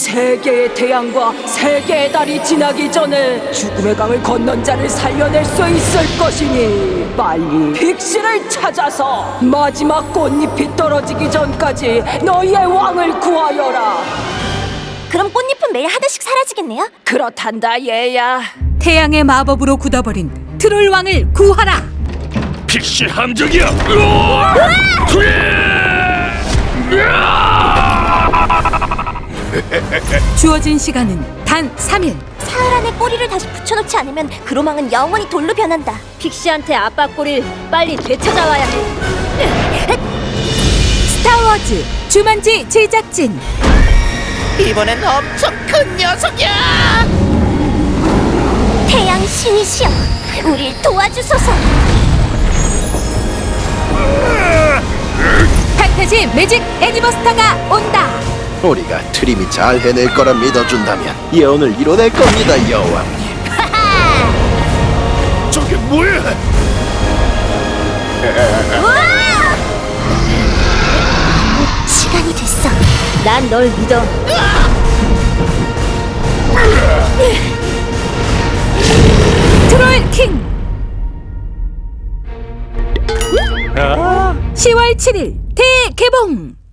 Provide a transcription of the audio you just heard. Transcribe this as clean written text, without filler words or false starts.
세 개의 태양과 세 개의 달이 지나기 전에 죽음의 강을 건넌 자를 살려낼 수 있을 것이니 빨리 픽시를 찾아서 마지막 꽃잎이 떨어지기 전까지 너희의 왕을 구하여라. 그럼 꽃잎은 매일 하나씩 사라지겠네요? 그렇단다 얘야. 태양의 마법으로 굳어버린 트롤 왕을 구하라. 픽시 함정이야. 주어진 시간은 단 3일. 사흘 안에 꼬리를 다시 붙여놓지 않으면 그로망은 영원히 돌로 변한다. 픽시한테 아빠 꼬리를 빨리 되찾아와야 해. 스타워즈 주만지 제작진. 이번엔 엄청 큰 녀석이야! 태양 신이시여, 우릴 도와주소서. 판타지 매직 애니버스터가 온다. 우리가 트림이 잘 해낼 거라 믿어준다면 예언을 이뤄낼 겁니다, 여왕님. 저게 뭐야? 시간이 됐어. 난 널 믿어. 트롤 킹. 10월 7일 대개봉.